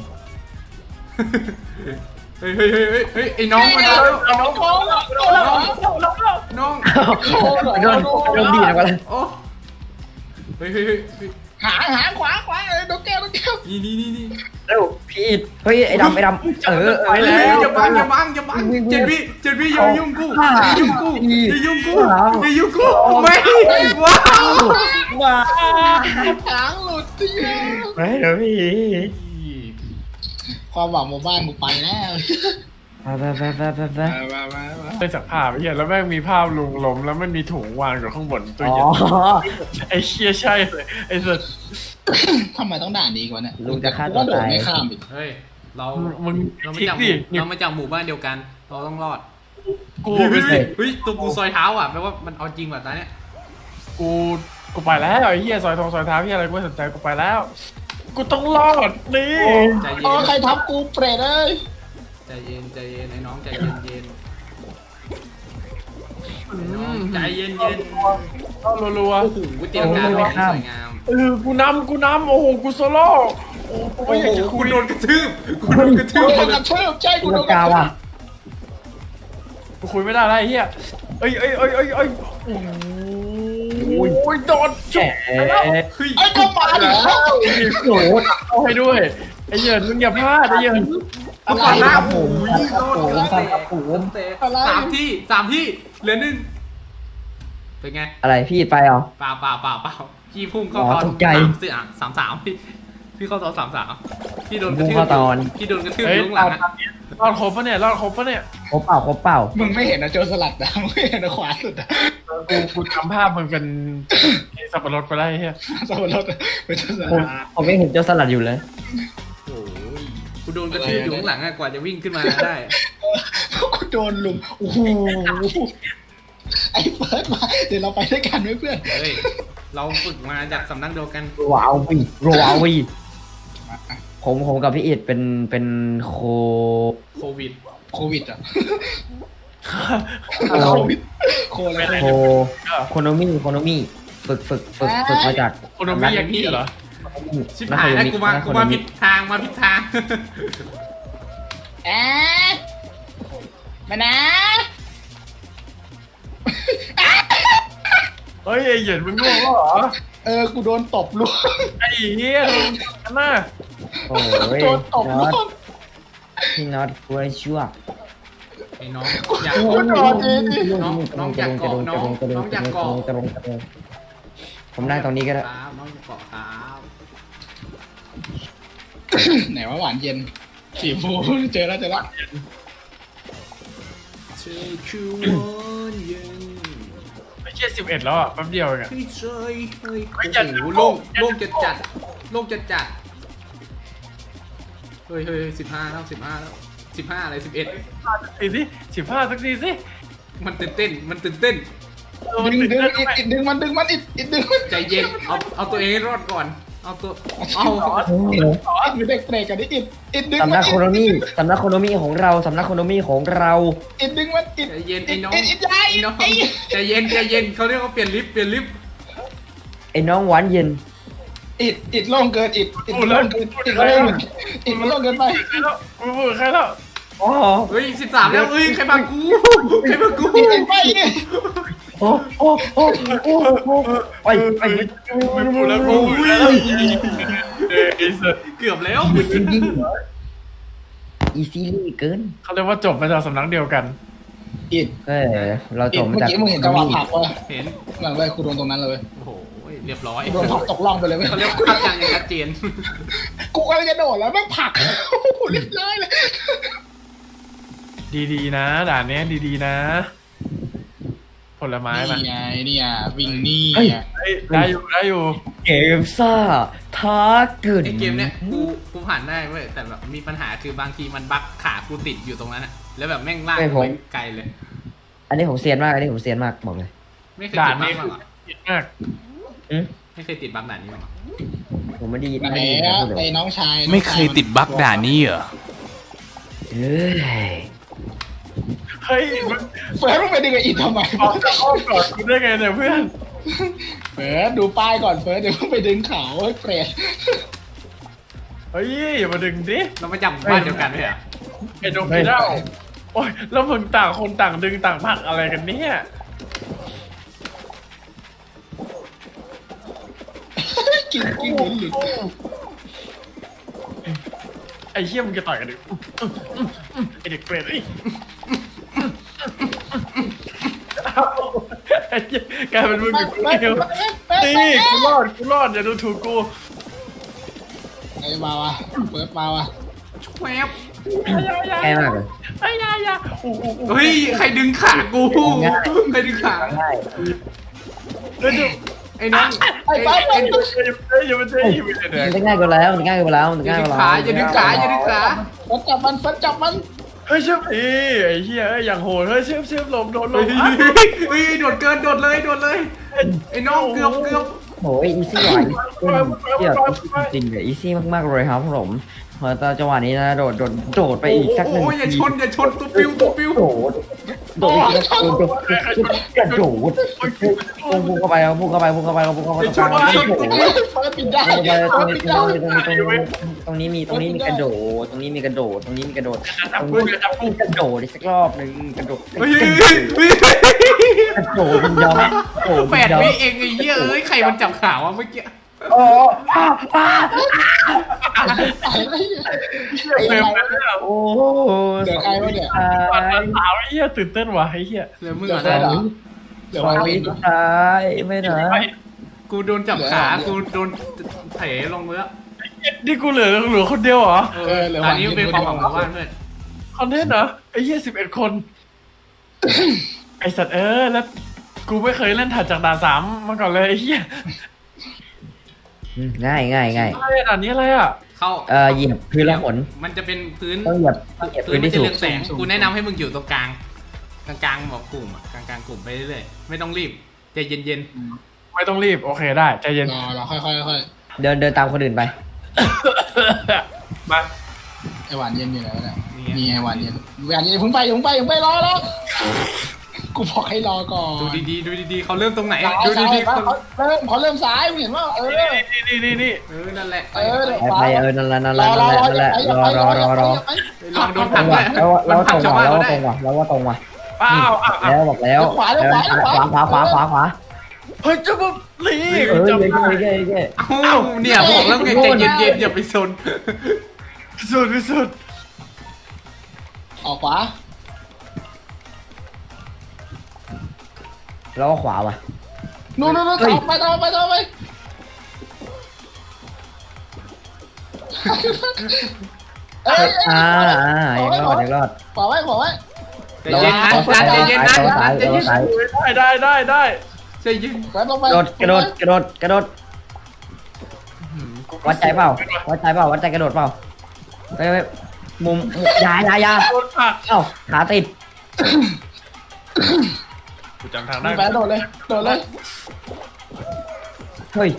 Speaker 4: เฮ้ยเฮ้ยเฮ้ยเฮ้ยเฮ้ยไอ้น้องมาแล้วไอ้น้อง
Speaker 1: โอ้โหโดนแล้ว
Speaker 4: น้อง
Speaker 3: โดนโดนดีดมาแล้ว
Speaker 4: โอ้เฮ้ยเฮ้ยเฮ้ยเฮ้ย
Speaker 1: หางหางขวาขวาเออโดนแก้วโดนแก้ว
Speaker 4: นี่นี่นี่นี่
Speaker 3: เร็วพี่อิดเฮ้ยไอ้ดำไอ้ดำเออ
Speaker 4: ไปแล้วอย่าบังอย่าบังอย่าบังเจนพี่เจนพี่อย่ายุ่งกูอย่ายุ่งกูอย่ายุ่งกูอย่ายุ่งกูไม่ว้าว
Speaker 3: ว้า
Speaker 1: หางหลุดเดียว
Speaker 3: ไม่เดี๋ยวพี่
Speaker 1: ความหวังหมู่บ้านกูไปแล้ว
Speaker 3: ไปไปไปไปไปไป
Speaker 1: มามามา
Speaker 2: ได้จากภาพไอ้เหี้ยแล้วแม่งมีภาพลุงล้มแล้วมันมีถุงวางอยู่ข้างบนตัว
Speaker 3: อ๋อ
Speaker 2: เหี้ยไอ้เชี่ยใช่เลยไอ้สัส
Speaker 1: ทำไมต้องด่าดีกว่าเนี่ย
Speaker 3: ลุงจะฆ่า
Speaker 1: กู
Speaker 3: ตัว
Speaker 1: ก็โดด
Speaker 3: ตาย
Speaker 1: ไม่ข้ามอีก
Speaker 4: เฮ้ยเรา
Speaker 2: มึง
Speaker 4: เรามา
Speaker 2: ทิก
Speaker 4: จากห
Speaker 2: ดิ
Speaker 4: มู่เรามาจากหมู่บ้านเดียวกัน เราต้องรอด
Speaker 2: กู
Speaker 4: เฮ้ย
Speaker 2: ไป
Speaker 4: เฮ้ย
Speaker 2: สิ
Speaker 4: เฮ้ยตัวกูซอยเท้าอ่ะแปลว่ามันเอาจริงว่ะตาเนี้ย
Speaker 2: กูกูไปแล้วไอ้เหี้ยซอยทองซอยเท้าเหี้ยอะไรกูไม่สนใจกูไปแล้ว กูต้องรอดนี่
Speaker 4: ใจเย็
Speaker 1: อ๋อน ใครทับกูเปรตเอ้ย
Speaker 4: ใจเย็นใจเย็นไอ้น้องใจเย็นเย็นไอ้น้องใจเย็นเย็น
Speaker 2: ต้องรัว
Speaker 4: โอ้โหเตรียมการรอบที่สวยงาม
Speaker 2: ๆเออกูนำกูนำโอ้โหกูโซโล่โอ้โหกู
Speaker 4: โอ้
Speaker 2: ไม่อยาก
Speaker 4: โห
Speaker 2: จะคุ
Speaker 4: คุ
Speaker 2: ย
Speaker 4: ณโดนกระทืบคุณโดนกระทื
Speaker 1: กู
Speaker 4: บ
Speaker 1: โดน
Speaker 4: เล
Speaker 1: กระ
Speaker 4: ย
Speaker 1: ทืบใช่กู
Speaker 3: กู
Speaker 1: โด
Speaker 3: รั
Speaker 1: น
Speaker 3: ง
Speaker 1: กระ
Speaker 3: กา
Speaker 1: ทืบ
Speaker 3: ว่ะ
Speaker 2: กูคุยไม่ได้แล้วไอ้เหี้ยเอ้ยเอ้ยเอ้ยเอ้ยเอ้ยโอ้โหโดนจุก
Speaker 3: เอ๊ะ
Speaker 4: เฮ้ย
Speaker 1: ไอ้ก็มาดิ
Speaker 3: โอ้โห
Speaker 2: เข้าให้ด้วยไอ้เหี้ยมึงอย่าพลาดไอ้เหี้ย
Speaker 4: เอาก่อนหน้า
Speaker 3: ครับผ
Speaker 4: โอ้
Speaker 3: ม
Speaker 4: ยโดน
Speaker 3: ครับผม
Speaker 4: เตะสามที่สามที่เหลือหนึ่งเป็นไง
Speaker 3: อะไรพี่อิดไปเหรอ
Speaker 4: เปล่าเปล่าเปล่าเปล่าพี่พุ่งเข้า
Speaker 3: อ๋อ
Speaker 4: ตอน
Speaker 3: ตกใจ
Speaker 4: สามสี่อ่ะสามสามพี่พี่เข้าตอนสามสามพี่โดนกระทืบ
Speaker 3: พุ่งเข้าตอน
Speaker 4: พี่โดนกระทืบ
Speaker 2: เฮ้
Speaker 4: อย ยู่ข้างห
Speaker 2: ร
Speaker 4: ลั
Speaker 2: อง ด
Speaker 4: อ่ะ
Speaker 2: รอดครบปะเนี่ยรอดครบปะเนี่ย
Speaker 3: ครบเปล่าครบเปล่า
Speaker 1: มึงไม่เห็นนะโจรสลัดนะมึงไม่เห็นนะขวาสุดอะ
Speaker 2: กูกูจำภาพมึงเป็นสับปะรดไปได้เฮีย
Speaker 1: สมรสเป็นโจรส
Speaker 3: ผม
Speaker 1: ลัด
Speaker 3: ผมไม่เห็นเจ้าสลัดอยู่เลย
Speaker 4: โอ้ยกูโดนกระทืบอยู่ข้างหลังอ่ะกว่าจะวิ่งขึ้นมาได้
Speaker 1: กูโดนลุมโอ้โหไอ้เฟิร์สมาเดี๋ยวเราไปด้วยกันไหมเพื่อน
Speaker 4: เฮ้ยเราฝึกมาจากสำนักเดียวกัน
Speaker 3: ว้าววีว้าววีผมผมกับพี่อิดเป็นเป็นโค
Speaker 4: โควิด
Speaker 1: โควิดอ่ะ
Speaker 3: โค
Speaker 1: โควิดโคอะไร
Speaker 3: โคโคโนมี่โคโนมี่ฝึกฝึกฝึกฝึกมาจาก
Speaker 2: โคโนมิยากิเหรอ
Speaker 4: ชิบหายแล้วกูมากูมาผิดทางมาผิดทาง
Speaker 1: แอะมานะ
Speaker 2: เฮ้ยไอ้เหยินมึงง่วงแล้วเหรอ
Speaker 1: เออกูโดนตบลูก
Speaker 2: ไอ้เฮียอันน่ะ
Speaker 3: โอ้ย
Speaker 1: โดนตบ
Speaker 3: น็
Speaker 1: ลู
Speaker 3: อต
Speaker 1: ก
Speaker 3: พี่น็อตกล้วยชั่ว
Speaker 4: ไอ้น้องอยาก
Speaker 1: กูโดนเองดิ
Speaker 4: น้องน้องอยากเกาะน้องน้องอยากเกาะ
Speaker 3: กระดงกระดงผมนั่งตรงนี้ก็ได้
Speaker 4: ครับน้องอยากเกาะครับ
Speaker 1: ไหนว่าหวานเย็นสีฟูเจอแล้วเจอแล้ว
Speaker 4: เธอคือวันเย็น
Speaker 2: ไม่หี้ยสิบเอ็ดแล้วอ่ะแป๊บเดียวเองอะ
Speaker 4: เฮ้ยเฮ้ยเฮ้ย
Speaker 2: เฮ้ย
Speaker 4: โอ้
Speaker 2: อย่า
Speaker 4: โห
Speaker 2: อย่า
Speaker 4: โล่ง
Speaker 2: อย่า
Speaker 4: โล่งจัดจัดโล่งจัดจัดเฮ้ยเฮ้ยสิบห้าแล้วสิบห้าแล้วสิบห้าอะไรสิบเอ็ด
Speaker 2: สิสิสิบห้าสักทีสิ
Speaker 4: มันตื่นเต้นมันตื่นเต้น
Speaker 2: เออมัน
Speaker 1: ดึง
Speaker 2: ตื่น
Speaker 1: ดึง
Speaker 2: เต้น
Speaker 1: อิด
Speaker 2: ทำไม
Speaker 1: อิดดึงมันดึงมันอิดอิดดึงมัน
Speaker 4: ใจเย็นเอาเอาตัวเองให้รอดก่อนเอาตัวเอา
Speaker 1: อิดมีเด็กเตะกันดิอิดอิดดึง
Speaker 3: สำ
Speaker 1: มั
Speaker 3: นั
Speaker 1: น
Speaker 3: กโคโนมีสำนักโคโนมีของเราสำนักโคโนมีของเรา
Speaker 1: อิดดึงมันอิด
Speaker 4: ใจเย็นไอ้น้อง
Speaker 1: อิดอิดยาย
Speaker 4: ไอ้น้อง
Speaker 1: ไอ้
Speaker 4: ใจเย็นใจเย็นเขาเรียกว่าเปลี่ยนลิฟต์เปลี่ยนลิฟต์
Speaker 3: ไอ้น้องหวานเย็น
Speaker 1: อิดอิดโล่งเกินอิดอิดมันโล่งเกินอิดมันโล่งอิดมันโล่งเกินไป
Speaker 2: ใครแล้วกูพูดใครแล้ว
Speaker 3: อ๋อ
Speaker 4: เฮ้ยสิบสามแล้วเฮ้ยใครมากูใครมากู
Speaker 1: อิดอิดไป
Speaker 3: โอ้โอ้โอ้โอ้โอ้ไปไป
Speaker 2: ไม่พูดแล้วกูพูดแล้วเออไอ้สัส
Speaker 4: เกือบแล้ว
Speaker 3: จริงจริงเหรออีซี่เกิน
Speaker 2: เขาเรียกว่าจบมาจากสำนักเดียวกัน
Speaker 1: อิด
Speaker 3: เอ้ยเราจ
Speaker 1: อิด
Speaker 3: บมา
Speaker 1: เมื่อ
Speaker 3: จาก
Speaker 1: กี้มึงเห็นจังหวะผลักวะ
Speaker 4: เห็น
Speaker 1: หลังเลยกูโดนตรงนั้นเลย
Speaker 4: โอ้โหเรียบร้อย
Speaker 1: โดนผลักตกล่องไปเลยเว้ย
Speaker 4: เขาเรียกว่าภาพจำอย่างชัดเจน
Speaker 1: กูกำลังจะโดดแล้วแม่งผลักเรียบร้อยเลย
Speaker 2: ดีๆนะด่านเนี้ยดีๆนะ ผลไม้มา
Speaker 1: นี่ไงเนี่ยวิ่งนี่
Speaker 2: เฮ้ยได้อยู่ได้อยู่
Speaker 3: เกมซ่าท้าเกิน
Speaker 4: ไอเกมเนี้ยกูกูผ่านได้เว้ยแต่แบบมีปัญหาคือบางทีมันบั๊กขากูติดอยู่ตรงนั้นอะแล้วแบบแม่งลากไปไกลเลย
Speaker 3: อันนี้ผมเซียนมากอันนี้ผมเซียนมากบอกเลย
Speaker 4: ไม่เคย
Speaker 2: ด่า
Speaker 4: ติ
Speaker 2: น
Speaker 4: ดบั๊
Speaker 2: นี้
Speaker 4: ก
Speaker 2: คื
Speaker 4: มา
Speaker 2: อ
Speaker 4: ก่อน
Speaker 2: ผิดมาก
Speaker 3: อืม
Speaker 4: ไม่เคยติดบั๊กด่านนี้มาก่อน
Speaker 3: ผมไม่ดี
Speaker 1: ไหน
Speaker 3: ไม่ดีนะ
Speaker 1: อะ
Speaker 3: พูดเล
Speaker 1: ไอ้
Speaker 3: ย
Speaker 1: น้องชาย
Speaker 4: ไม่เคยติดบั๊กด่านนี้เหรอ
Speaker 3: เอ้ย
Speaker 2: เฮ้ยมัน
Speaker 1: เฟิร์สมึงไปดึงไอ้อิดทำไม
Speaker 2: ออกจากอ้อมก่อนกูได้ไงเนี่ยเพื่อน
Speaker 1: เฟิร์สดูป้ายก่อนเฟิร์สเดี๋ยวมึงไปดึงเขาไอ้เปรต
Speaker 2: เฮ้ยอย่ามาดึงดิ
Speaker 4: เรามาจับบ้านเดียวกันไหมอ่ะ
Speaker 2: ไอ้โดมิเน่าโอ้ยแล้วมึงต่างคนต่างดึงต่างผลักอะไรกันเนี่ย
Speaker 1: กินกินหลุนหลุน
Speaker 2: ไอ้เหี้ยมึงจะต่อยกันดิไอ้เด็กเปรตไอ้ยไอ้เหี้ยกลายเป็นมึงกับกูเดียวนี่กูรอดกูรอดอย่าดูถูกกู
Speaker 1: ไอ้มาวะเฟิร์สมาวะ
Speaker 4: แวบ
Speaker 3: ง่ายมากเลย
Speaker 2: ไอ้ยายาโอ้โห
Speaker 4: เฮ้ยใครดึงขากูใครดึงขา
Speaker 3: ง่าย
Speaker 2: เฮ้ยดู
Speaker 4: ไอ้น้อง
Speaker 1: ไอ้
Speaker 4: ไอ้
Speaker 1: เฟิร์ส
Speaker 4: ไอ้
Speaker 2: อย่ามาเจ๊อย่ามาเจ๊อย่ามาเจ๊
Speaker 3: มันจะง่ายกว่าแล้วมันง่ายกว่าแล้วมัน
Speaker 4: อย่า
Speaker 3: ง่าย
Speaker 4: ดึ
Speaker 3: ก
Speaker 4: ง
Speaker 3: ว่า
Speaker 4: ขา
Speaker 3: แล้ว
Speaker 4: อย่าดึงขาอย่าดึงขา
Speaker 1: เฟิร์สจับมันเฟิร์สจับมัน
Speaker 2: เฮ้ยเชื่อพี่ไอ้เหี้ยเอ้ยอย่างโหดเฮ้ยเชื่อเชื่อลมโดนล
Speaker 4: เฮ้
Speaker 2: ม
Speaker 4: ย
Speaker 2: อ่ะ
Speaker 4: เฮ้ยโดดเกินโดดเลยโดดเลยไอ้น้องเกือบเกือบ
Speaker 3: โอ้ยอีซี่ว่ะเกี่ยวจริงเลยอีซี่มากๆเลยครับผมพอตอนจังหวะนี้นะโดดโดดโดดไปอีกสักหนึ่ง
Speaker 4: โอ้ยอย่า
Speaker 3: ที
Speaker 4: ชนอย่าชนตัวปิวตัวปิว
Speaker 3: โดดโดดโดดโดดกระโดดพุ่งเข้าไปเอาพุ่งเข้าไปพุ่งเข้าไปเอาพุ่งเข้าไปตรงกลางโดด
Speaker 1: เฟิร์สปิดได้
Speaker 3: ตรง
Speaker 1: เฟิร์ส
Speaker 3: นี้
Speaker 1: ปิด
Speaker 3: ตรง
Speaker 1: ได้
Speaker 3: นี้ตรงนี้ตรงนี้ตรงนี้มีตรงนี้มีกระโดดตรงนี้มีกระโดดตรงนี้มีกระโดด
Speaker 2: จับกูอย่าจับกู
Speaker 3: กระโดดอีกสักรอบหนึ่งกระโดด
Speaker 4: เฮ้ยเฮ้ยเฮ้ย
Speaker 3: กระโดดมันยอมกระโดด
Speaker 4: แปดวิเองไอ้เหี้ยเอ้ยใครมันจับขาวะเมื่อกี้
Speaker 3: โอ้อ้าอ้า
Speaker 1: อะไรเนี่ย
Speaker 2: เต็มเลยเนี่ย
Speaker 3: โอ้
Speaker 1: เดี๋ยวใครวะเนี่ย
Speaker 2: ปาดสาวไอ้เหี้ยตื่นเต้นว่ะไอ้เหี้ย
Speaker 4: เหลือมึง
Speaker 1: เดี๋ยว
Speaker 4: อ่ะ
Speaker 1: เฟิร์สเหร
Speaker 4: นะ
Speaker 1: อเดี๋ยว
Speaker 3: สอง
Speaker 1: ไว้
Speaker 3: วิสุดท้ายไม่นะ
Speaker 4: กูโดนจับขากูโดนเถลงมือ
Speaker 2: นี่กูเหลือเหลือคนเดียวเหรอ
Speaker 4: เอออันนี้เป็นความหวังของบ้านเพื่อน
Speaker 2: คอนเทนต์เหรอไอ้เหี้ยสิบเอ็ดคน ไอสัตว์เออแล้วกูไม่เคยเล่นถัดจากด่านสามมาก่อนเลยไอ้เหี้ย
Speaker 3: ง่ายง่ายง่าย
Speaker 2: อะไรด่านนี้อะไรอ่ะ
Speaker 4: เข้า
Speaker 3: เอ่อเหยียบพื้นแล้วขน
Speaker 4: มันจะเป็นพื้น
Speaker 3: ต้องเหยียบเหยียบ
Speaker 4: พื้
Speaker 3: พื้
Speaker 4: น
Speaker 3: น
Speaker 4: มัน
Speaker 3: ที่
Speaker 4: จะ
Speaker 3: สู
Speaker 4: เรื
Speaker 3: ง
Speaker 4: องแสงกูแนะนำให้มึงอยู่ตรงกลางกลางๆแบบกลุ่มอะกลางๆกลุ่มไปเรื่อยๆไม่ต้องรีบใจเย็น
Speaker 2: ไม่ต้องรีบโอเคได้ใจเย็น
Speaker 1: รอรอค่อยค่อยค่อย
Speaker 3: เดินเดินตามคนอื่นไป
Speaker 2: มา
Speaker 1: ไอหวานเย็นอยู่ไหนวะเนี่ยนี่ไอหวานเย็นหวานเย็นอย่าเพิ่งไปอย่าเพิ่งไปอย่าเพิ่งไปรอรอกูบอกให้รอก่อน
Speaker 4: ๆดูดีๆดูดีๆเขาเริ่มตรงไหน
Speaker 1: ซ้าย
Speaker 4: ดู
Speaker 1: ซ้าย
Speaker 4: ดีๆ
Speaker 1: เขา
Speaker 4: เขา
Speaker 1: เริ่มเขาเริ่มซ้ายมึงเห็นว่าเออ
Speaker 2: นี่นี่นี่นี่
Speaker 4: เออนั่นแหละ
Speaker 1: เออ
Speaker 3: ไปไปเออนั่นแหละนั่นแห
Speaker 1: ร
Speaker 3: ละ
Speaker 1: อร
Speaker 3: นั่
Speaker 1: อน
Speaker 3: แหละ
Speaker 1: รอ
Speaker 3: นั่นแหละรอรอรอรอ
Speaker 4: ลองโดน
Speaker 3: ต
Speaker 4: ผั
Speaker 3: ร
Speaker 4: ก
Speaker 3: ง
Speaker 4: ด้ว
Speaker 3: ว่ะ
Speaker 4: ย
Speaker 3: แล้ว
Speaker 4: มั
Speaker 3: แล้ว
Speaker 4: น
Speaker 3: ต
Speaker 4: ผั
Speaker 3: ร
Speaker 4: ก
Speaker 3: ง
Speaker 4: ชาว
Speaker 3: ว่ะ
Speaker 4: บ้าน
Speaker 3: แล้ว
Speaker 4: เขาได้
Speaker 3: ตรงว่ะแล้วว่าตรงว่ะ
Speaker 2: อ้าวอ้าวอ้าว
Speaker 3: แล้วบอกแล้วขวาขวาขวาขวา
Speaker 2: เฮ้ยจะมาหลี
Speaker 3: เออ
Speaker 2: จำ
Speaker 3: เย้
Speaker 2: ได้
Speaker 3: เย้เย้
Speaker 4: เอ้าเนี่ยบอกแล้วไงใจเย็นๆอย่าไปซน
Speaker 2: สุดที่สุด
Speaker 1: ออกขวา
Speaker 3: แล้วก็ขวาว่ะ
Speaker 1: นู่นนู่นนู่นต่อไปต่อไปต่อไปเอ้ย
Speaker 3: อ่าอ่ายังรอดยังรอด
Speaker 1: ขวาไว้ขวาไว้
Speaker 4: ใจเย็นนะนัดใจเย็นนะนัดใจเย็น
Speaker 3: ซ้าย
Speaker 2: ได้ได้ได้ได้
Speaker 4: ใจเย็น
Speaker 1: แป๊บลงไป
Speaker 3: กระโดดกระโดดกระโดดกระโดดวัดใจเปล่าวัดใจเปล่าวัดใจกระโดดเปล่าไปไปมุมยายายา
Speaker 2: โดนผัก
Speaker 3: เอ้าขาติด
Speaker 2: กูจำทางได้
Speaker 1: แป๊บโดดเลยโดดเลย
Speaker 3: เฮ้ย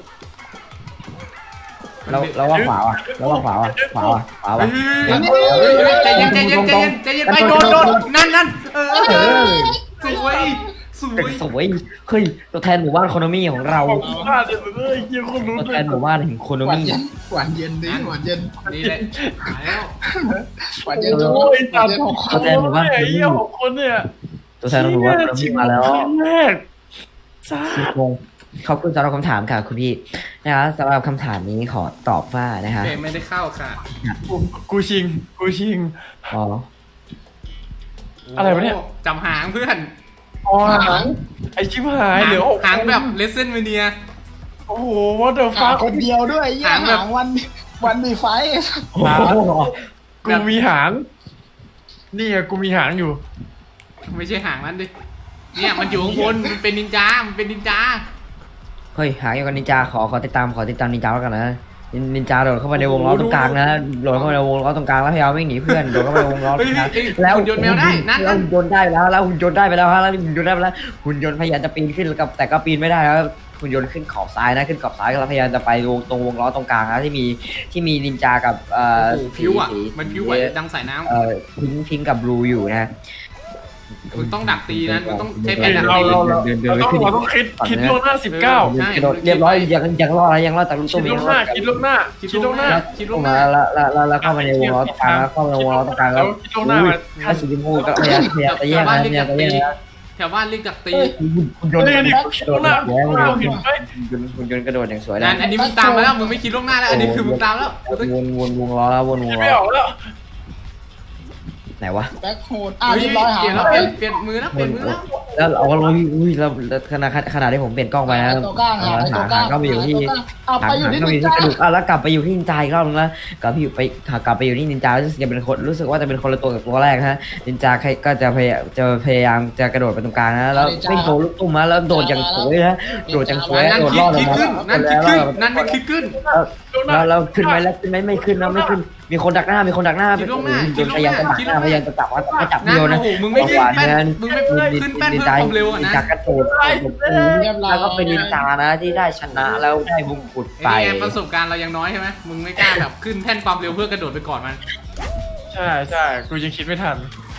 Speaker 3: เราเราว่าขวาว่ะเราว่าขวาว่ะขวาว่ะขวาว่ะ
Speaker 4: เฮ้ยเฮ้ยเฮ้ยใจเย็นใจเย็นใจเย็นใจเย็นไปโดนโดนนั่นนั่นเออ
Speaker 3: เออ
Speaker 4: สวยสวย
Speaker 3: สวยเฮ้ยตัวแทนหมู่บ้านโคโนมี่ของเรา
Speaker 2: ผมพลาดเลยเอ้ยเยี่ยคนรู้
Speaker 3: ตัว
Speaker 2: เล
Speaker 3: แท
Speaker 2: ย
Speaker 3: นหมู่บ้านแห่งโคโน
Speaker 1: หวาน
Speaker 3: มี่
Speaker 1: เย็นหวานเย็นดิหวานเย็น
Speaker 4: นี่แหละหายแล้ว
Speaker 1: หวานเย็นจน
Speaker 2: โอ้ย
Speaker 1: หวา
Speaker 2: ตั
Speaker 1: น
Speaker 2: ด
Speaker 1: เย็น
Speaker 2: หกคนเลยไอ้เหี้ยหกคนเนี่ย
Speaker 3: ตัวแทนหมู่บ้านโคโนมี่มาแล้ว
Speaker 2: ครั้งแรกจ้า
Speaker 3: งงขอบคุณสำหรับคำถามค่ะคุณพี่นะคะสำหรับคำถามนี้ขอตอบว่านะคะ
Speaker 4: เพลงไม่ได้เข้าค่ะ
Speaker 2: กูกูชิงกูชิง
Speaker 3: อ๋อ
Speaker 2: อะไรวะเนี่ย
Speaker 4: โจำหางเพื่อน
Speaker 2: อ๋อหางไอชิบหายเหลือหก
Speaker 4: หางแบบเลสเซนเมเนีย
Speaker 2: โอ้โหว่าเดอะ
Speaker 1: หา
Speaker 2: ฟั
Speaker 1: ง
Speaker 2: ก
Speaker 1: คนเดียวด้วยยี่
Speaker 4: หางแบบ
Speaker 1: หางวันวันมีไฟ
Speaker 3: โอ้โห
Speaker 2: กูมีหาง นี่ไงกูมีหางอยู่
Speaker 4: ไม่ใช่หางนั้นดิเนี่ยมันอยู่ข้างบนมันเป็นนินจา มันเป็นนินจา
Speaker 3: เฮ้ยหาอย่างกับนินจาขอขอติดตามขอติดตามนินจาแล้วกันนะนินนินจาโดดเข้ามาในวงล้อตรงกลางนะโดดเข้ามาในวงล้อตรงกลางแล้วพยายามไม่หนีเพื่อนโดดเข้ามาในวงล้อตรงกลาง
Speaker 4: เฮ้ยเฮ้ย
Speaker 3: แล้ว
Speaker 4: หุ่นยนต์แมวได้นั่น
Speaker 3: แล้วหุ่นยนต์ได้แล้วแล้วหุ่นยนต์ได้ไปแล้วฮะแล้วหุ่นยนต์ได้ไปแล้วหุ่นยนต์พยายามจะปีนขึ้นกับแต่ก็ปีนไม่ได้แล้วหุ่นยนต์ขึ้นขอบซ้ายนะขึ้นขอบซ้ายแล้วพยายามจะไปวงตรงวงล้อตรงกลางนะที่มีที่มีนินจากับเอ่อ
Speaker 4: โอ้โหผิวอ่ะ
Speaker 3: สี
Speaker 4: มันผิวไหวดังสายน้
Speaker 3: เอ่อพิงพิงกับบลูอยู่นะ
Speaker 4: ำมึงต้องดักตีนะมึงต้องใช้แผนดัก
Speaker 2: เรา
Speaker 4: ตี
Speaker 2: เราเรา
Speaker 3: เดินเดิน
Speaker 2: เรา
Speaker 3: ไป
Speaker 2: ต้อง
Speaker 3: ขึ้น
Speaker 2: เราต้องคิดคิดล่วงหน้าสิบเก้า
Speaker 4: ใช่
Speaker 3: กระโดดเรียบร้อยยังยังรอดนะยังรอดแต่ลูก
Speaker 2: คิ
Speaker 3: ตุ้
Speaker 2: ด
Speaker 3: ม
Speaker 2: ล่วงหน้าคิดล่วงหน้าคิดล่วงหน้า
Speaker 4: คิดล่ว
Speaker 3: เข้าง
Speaker 4: ห
Speaker 3: มา
Speaker 4: น้า
Speaker 3: แล้วแล้วแล้วแล้วเข้ามาในวงล้อตรงกลางแล้วเข้ามาในวงล้อตรงกลางแล้ว
Speaker 2: คิดล่วงหน้ามา
Speaker 3: ถ้าสีชมพูก็พยายามพยายามจะแย่งนะพยายามจะแย่งนะ
Speaker 4: แถวบ้านเรียกดักตี
Speaker 3: หุ่นยนต์
Speaker 2: นี่นี่
Speaker 3: ก
Speaker 2: คิด
Speaker 3: ระโด
Speaker 2: ล่ว
Speaker 3: ด
Speaker 2: งหน้า
Speaker 3: อย่างสวย
Speaker 2: เราเห็นไหม
Speaker 3: หุ่นยนต์กระโดดอย่างสวย
Speaker 4: นั่
Speaker 3: นะ
Speaker 4: นอันนี้มึงตามมาแล้วมึงไม่คิดล่วงหน้าแล้วอันนี้คือมึงตามแล้วมึงต้อง
Speaker 3: วนวนวงล้อแล้ววนว
Speaker 2: คิ
Speaker 3: ง
Speaker 2: ดไม่
Speaker 3: ล้
Speaker 2: อ
Speaker 3: อ
Speaker 2: อกแล้ว
Speaker 3: ไหนวะ
Speaker 1: แบ็คโฮดอ่ะ
Speaker 4: เฮ้ย
Speaker 1: เรียบร้อยหา
Speaker 4: เปลี่ยน
Speaker 1: แล้
Speaker 4: แล้ว
Speaker 1: ว
Speaker 4: เปลี่ยนเปลี่ยนมือแล้วเปลี่ยนมือแล้ว
Speaker 3: แล้วเราก็อุ้ยอุ้ยแล้วขนาดขนาดที่ผมเปลี่ยนกล้องไปนะ
Speaker 1: ตัวกลางหา
Speaker 3: หา
Speaker 1: ตัวกลาง
Speaker 3: หาก็ไปอยู่ที่
Speaker 1: เอา
Speaker 3: หา
Speaker 1: ไปอยู่
Speaker 3: หา
Speaker 1: ที่
Speaker 3: ก็ไป
Speaker 1: นิ
Speaker 3: อน ยู่ที่
Speaker 1: จาก
Speaker 3: ระดูกอ่ะแล้วกลับไปอยู่ที่นินจาอีกรอบนึงแล้วกลับไปอยู่ไปกลับไปอยู่ที่นินจารู้สึกจะเป็นคนรู้สึกว่าจะเป็นคนละตัวกับตัวแรกฮะนินจาใครก็จะพยายามจะพยายามจะกระโดดไปตรงกลางนะแล้วไม่โดนลูกตุ้มนะแล้วโดดอย่างสวยนะโดดอย่างสวย
Speaker 4: นั่น
Speaker 3: โดด
Speaker 4: คิ
Speaker 3: ร
Speaker 4: ด
Speaker 3: อดล
Speaker 4: คิ
Speaker 3: ง
Speaker 4: ด
Speaker 3: มา
Speaker 4: ขึ้นนั่นคิดขึ้นนั่นไม่คิดขึ้น
Speaker 3: แล้วแล้วขึ้นไหมแล้วขึ้นไหมไม่ขึ้นนะไม่ขึ้นมีคนดักหน้ามีคนดักหน้า
Speaker 4: คิดล่วงหน้า
Speaker 3: โดนพยายามจะดักหน้าพยายามจะจับว่าจะจับ
Speaker 4: นั่น
Speaker 3: โยน
Speaker 4: โอ้
Speaker 3: นะ
Speaker 4: โหมึงไม่ขึ้นแป้นมึงไม่ขึ้นแป้นเพิ่มความเร็วอ่ะนะ
Speaker 3: จากกระโดดแล้วก็เป็นนินจานะที่ได้ชนะแล้วได้มงกุฎไป
Speaker 4: ไอ้นี่ไงประสบการณ์เรายังน้อยใช่ไหมมึงไม่กล้าแบบขึ้นแท่นความเร็วเพื่อกระโดดไปก่อนมัน
Speaker 2: ใช่ใช่กูยังคิดไม่ทัน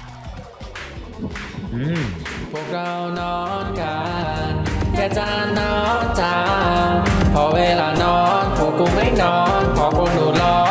Speaker 3: อืม
Speaker 5: พวกเรานอนกันแค่จะนอนตามพอเวลานอนพวกกูไม่นอนพอกูหนูร้อน